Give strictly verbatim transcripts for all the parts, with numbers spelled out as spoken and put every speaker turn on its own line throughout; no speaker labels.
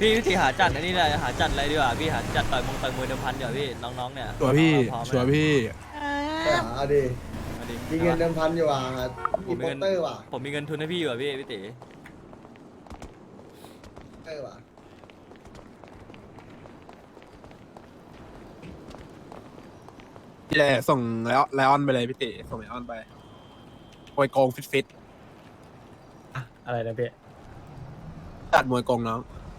พี่พี่ตีหาจัดอันนี้เลยหาจัดอะไรดีกว่าพี่หาจัดต่อยมงต่อยมวยเดิมพันเดี๋ยวพี่น้องๆเนี่ย
ชัวร์พี่
พร้อมไหม
ชัวร์พี่
เอาดิ
เอาดิ
มีเงินเดิมพันอยู่อ่ะ
ผ
มี
ม
โป
มี
ส
เงิน
เตอร์ว่ะ
ผมมีเงินทุนให้พี่อยู่อ่ะพี่พี่ตี
เตอร์ว่ะ
พี่แหละส่งไลออนไลออนไปเลยพี่ติส่งไลออนไปมวยโกงฟิตฟิต
อะไรนะพี่
จัดมวยโกงน้อง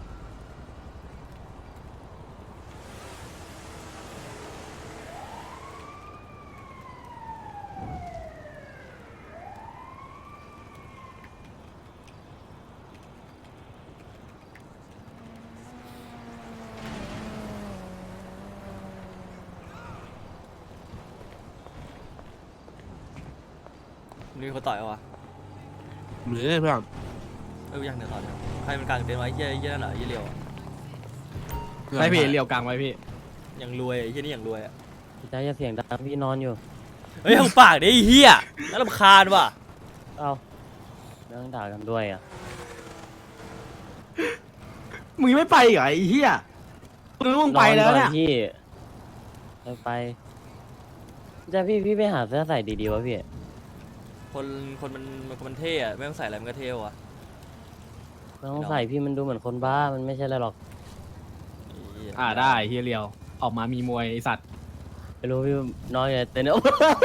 นี่เขาต่อยเอาวะ
เหมือนเพื่อน
เออยังเดี๋ยวต่อยใครมันกลางเต็นท์ไว้เยี่ยเยี่ยนั่นเหรอเยี่ยเลียวอะ
ไม่พี่เรียวกลางไว้พี่
ยังรวยไอ้เยี่ยนี่ยังรวยอ่ะ
พี่จ้าอย่าเสียงดังพี่นอนอยู่
เฮ้ยหุบปากดิไอ้เฮียน่ารำคาญว่ะ
เอาเรื่องด่ากันด้วยอ่ะ
มึงไม่ไปเหรอไอ้เหี้ยมึงมึงไปแล้วเนี่ย
นอนก่อพี่ไปไปจ้าพี่พี่ไปหาเสื้อใส่ดีๆวะพี่
คนคนมันมันมันเท่อะไม่ต้องใส่อะไรมันก็เท่ว่ะ
ไม่ต้องใส่พี่มันดูเหมือนคนบ้ามันไม่ใช่อะไรหรอก
ไอ้เหี้ย
อ่าได้เฮียเรียวออกมามีมวยไอสัตว์
ไม่รู้พี่นอนอยู่ในเต็นท์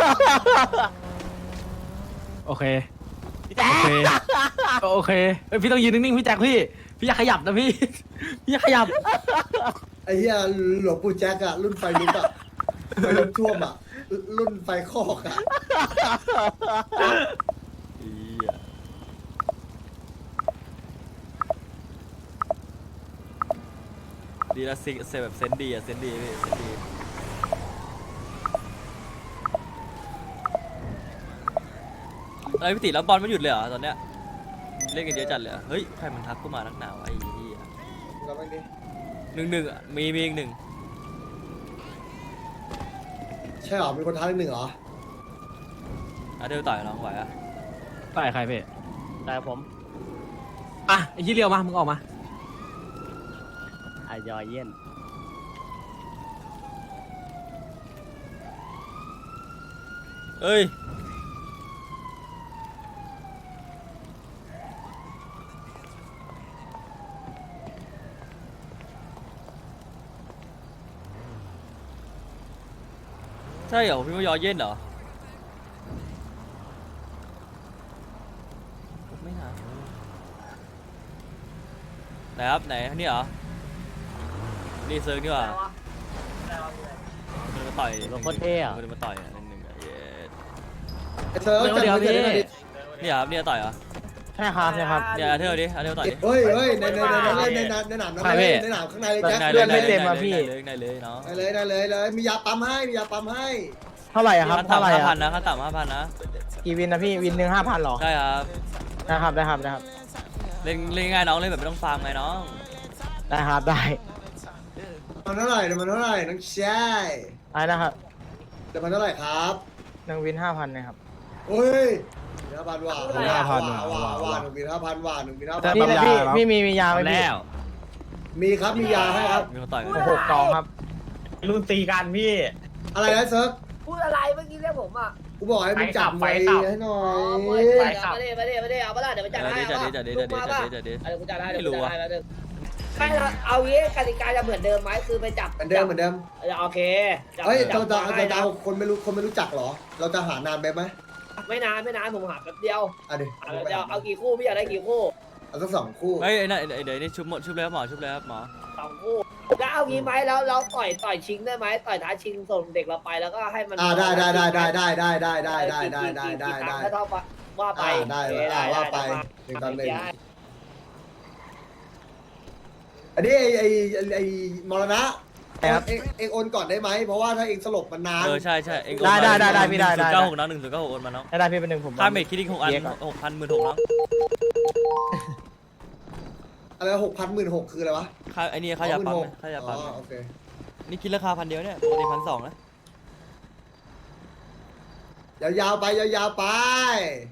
โอเคโอเคโอเคเอ้ยพี่ต้องยืนนิ่งๆพี่แจ็คพี่พี่อย่าขยับนะพี่ พี่อย่าขยับ
ไอ้เหี้ยหลวงปู่แจ็คอะรุ่นไฟลุกอะไฟลุกท่วมอะรุ่นไฟคอกอะ
ไอ้เหี้ยดีละซิเซแบบเซนดีอะเซนดีพี่เซนดีอะไรพี่ติแล้วบอลไม่หยุดเลยเหรอตอนเนี้ยเล่นกันเยอะจัดเลยเหรอเฮ้ยใครมันทักกูมานักหนาวะไอ้เหี้ย
เราไม่ดิ
หนึ่งหนึ่งอะมีมีอีกหนึ่ง
ใช่เหรอมีคนท้าหนึ่งเหรอ
อ่ะเดี๋ยวต่อยน้องไหวอ่ะ
ต่อยใครพี่
แต่ผม
อ่ะไอ้เฮียเรียวมามึงออกมา
อายอยเย็น
เอ้ยใช่เหรอพี่ว่ายอเย็นเหรอไม่นะไหนครับไหนนี่เหรอนี่เซิร์ฟนี่หว่ามันมาต่อย
รถโคตรเท่อะ
มันมาต่อยอ่ะหนึ่งหนึ่งอ่ะเย้
ไอ้เธอ
เดี๋ยวเดี๋ยว
จั
พี่
ไว้ดิ
เนี่ยครับเนี่ยต่อยเหรอ
ใช่ครับใช่ครับ
เนี่ยอาเทลดิอาเทลต่อยดิ
เฮ้ยเฮ้ยในในในในในในในหนามในในหนามข้างในเลยแจ็ค
ได้
เลือด
ได้
ไม่เต็ม
ได้เลยได้เลยเนาะ
ได้เลยได้เลยเลยมียาปั๊มให้มียาปั๊มให้
เท่าไหร่อะครับ
ขั้น
เท่าไหร่
ต่ำห้าพั
อะ
นนะขั้นต่ำห้าพันนะ
กี่วินนะพี่วินหนึ่งห้าพันหรอ
ใช่ครับ
ได้ครับได้ครับได้ครับ
เล่นเล่นง่ายน้องเล่นแบบไม่ต้องฟาร์มไงน้อง
ได้ครับได้
มันเท่าไหร่มันเท่าไหร่น้องชาย
ได้นะครับ
เดี๋ยวมันเท่าไหร่ครับ
หนึ่งวินห้าพันนะครับ
เฮ้ยห้าพันว่าว่าว่าหนึ่งบินห้าพันว่าหนึ่งบินห้าพัน
พี่พี่พี่มีมียาไหมพี่
มีครับมียาให้ครับ
มีคนต่อยกัน
หกกองครับรุ่นตีกันพี่
อะไรนะเซิร์ฟ
พูดอะไรเมื่อกี้เรียกผมอ่ะ
กูบอกให้มึงจับไว้ให้หน่อ
อ๋อมวย
ย
จับมาดิมาดิมาดิเอาปะล่ะเดี๋ยวไปจัดให้
จัด
เอา
ดิจัดดิ
ลู
จัด
ก
ดิ
มา
จัด
ป่ะ
ดิจัดดิ
เดี๋ยวกูจัดให้เดี๋ยว
ไม่
กู
รู้
จัด
อะ
ให้แล้วเดี๋ยวไม่เอางี้กติกาจะเหมือนเดิมไหมคือไปจับ
เหมือนเดิมเหมือนเดิม
โอเคจับ
เฮ้ย
จั
เรา
บ
จะ
ให้
เราจะ
นะ
เอาคนไม่รู้คนไม่รู้จักเหรอ เราจะหานานไปไหม
ไม่นานไม่นานผมหาแป๊บเดียว
อ่ะเดี๋ยว
หาแป๊บเดียวเอากี่คู่พี่อยากได้กี่คู่
เอาสักสองคู่
เฮ้ยไอ้นั่นเดี๋ยวนี่ชุบหมดชุบเลยครับหมอชุบเลยครับหมอ
สองคู่แล้วเอางี้ไหมแล้วเราต่อยต่อยชิงได้ไหมต่อยท้าชิงส่งเด็กเราไปแล้วก็ให้มัน
อ่าได้ได้ได้ได้ได้ได้ได้ได้ได้ได้ได้ได้
กี่
ได้
ครั้งถ้าเท่าว่าไป
อ่าได้
โอเค
อ่าว่าไป
ด้
หนึ่งต่อหนึ่ง
ได้
อันนี้ไอไอไอมรณะเองเองโอนก่อนได้ไหมเพราะว่าถ้าเองสลบมันนาน
เออใช่ใช่เอง
ได้ได้ได้ได้พี่ได้
ศู
ได้
นย์เก้าหกน้องหนึ่งศูนย์เก้าหกโอนมาน้อง
ได้ได้พี่เป็นหนึ่งผม
ค่าเมดคิดดิ้งหกอันหกพันหมื่นหกน้อง
อะไรหกพันหมื่นหกคืออะไรวะ
ค่าไอ้นี่ค่ายาปั๊มค่ายาปั๊ม
อ๋อโอเค
นี่คิดราคาพันเดียวเนี่ยปกติพันสองนะ
ยาวๆไปยาวๆไป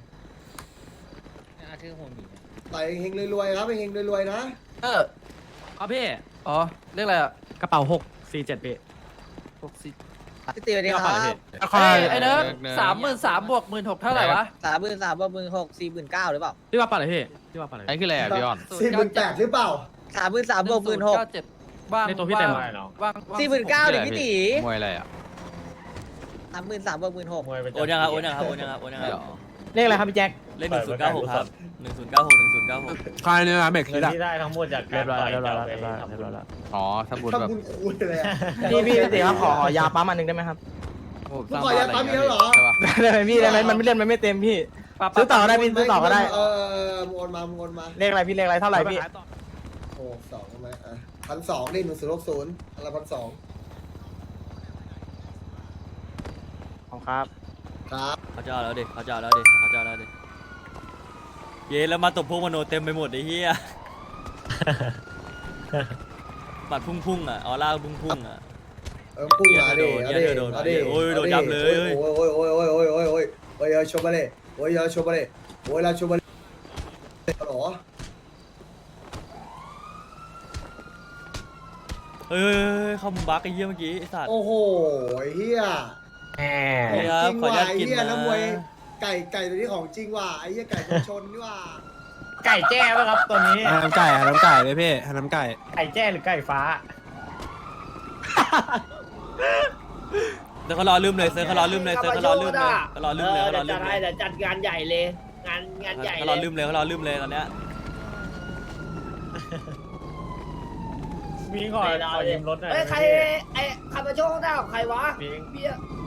ชื่อผมอีก
ต่อยเฮงๆรวยๆครับเฮงๆรวยๆนะ
เออครับพี่
อ๋อเรียกอะไรอ่ะ
กระเป๋าหกสี่เจ็ดพี่
หกสิบ
พี่ตีสวัสดี
กระ
ค
เป๋า
รั
เลย
บ
พี่
ค่อย
ไอ้เนิร์ดสามหมื่นสามบวกหมื่นหกเท่าไหร่วะ
สามหมื่นสามบวกหมื่นหกสี่หมื่นเก้าหรือเปล่า
พี่ว่าเปล่าเลยพี่พี่ว่าเปล่าเลย
ไอ้คืออะไรอ่ะพี่ออน
สี่หมื่นแปดหรือเปล่า
สามหมื่นสามบวกหมื่นหก
เก้าเจ็ดว่าง
ในตัวพี่เต็ม
ว่าง
เหรอ
ว่าง
สี่หมื่นเก้าเลยพี่ตี
มวยอะไรอ่ะ
สามหมื่นสามบวกหมื่นหก
โอนยังครับโอนยังครับโอนยังครับโอนยังค
ใช่
รับ
หรอ
เลขอะไรครับพี่แจ็ค
เลขหนึ่งศูนย์เก้าหกครับหนึ่งศูนย์เก้าหกหนึ่งศูนย์เก้าหก
ๆค่ายเนี่ยนะเมกคิดอะ
เรียบร้อยแล้วเรียบร้อยแล้วเรียบร้อยแล้วเรียบร้อยแล้ว
อ๋อทำบุญแบบ
ทำบุญคุยเลยอะ
พี่พี่พี่ครับขอขอยาปั๊มอันหนึ่งได้ไหมครับ
ผมส
มึง
ร้าง
ขอ
บ้าน
ยา
อะไร
ปั๊ม
เงี้
เย
ย
อะเหรอ
ใช่ปะ
ได้ไหมพี่ได้ไหมมันไม่เล่นมันไม่เต็มพี่ซื้อต่อได้พี่ซื้อต่อก็ได้
เออเออโอนมาโอนมา
เลขอะไรพี่เลขอะไรเท่าไหร่พี่
โอ้สองใช่ไหมอ่ะพันสองนี่หนึ่งศูนย์หกศูนย์อะไรพันสอง
ของครับ
ครับ
เขาจะเอาแล้วดิเขาจะเอาแล้วดิเขาจะเอาแล้วดิเย้แล้วมาตบพวกมโนเต็มไปหมดไอ้เหี้ยบัตรพุ่งๆอ่ะออร่าพุ่งๆอ่ะ
เออพุ่งมาดิ
เหี้
เอา
ย
ดิ
โดน
เอาดิ
โอ้ยโดนยับเลย
โอ้ยโอ้ยโอ้ยโอ้ยโอ้ยโอ้ยโอ้ยโอ้ยโชว์มาเลยโอ้ยโชว์มาเลยโอ้ยเราโชว์มาเลยหรอ
เฮ้ยเข้ามุมบักไอ้เหี้ยเมื่อกี้ไอ้สัตว์
โอ้โหเฮีย
แห
เฮ้ย
จ
ครับ
ริง
ขออนุ
ว่ะ
ญาต
ไอ้
กิน
เฮีย
นะ
น้ำมวยไก่ไก่ตัวนี้ของจริงว่ะไอ้เฮียไก่ตัวชนนี่ว่ะ
ไก่แจ้ป่ะครับตัวนี้
น้ำไก่อะน้ำไก่เลยพี่น้ำไก่
ไก่แจ้หรือไก่ฟ้า
เซิร์ฟเขารอลืมเลยเซิร์ฟเขารอลืมเลยเซิร์ฟเขารอลืมเลยเขารอลืมเลยเขารอลื
จั
ม
ด
เล
ให้
ย
เดี๋ยวจัดงานใหญ่เลย งานงานใหญ่
เขา
เล
รอย ลืมเลยเขารอลืมเลยตอนเนี้ย
มีก่อนขอยืมรถหน่อย
เฮ้ยใครไอ้ขับมาโชว์ข้างหน้าของใครวะ
มี
พี่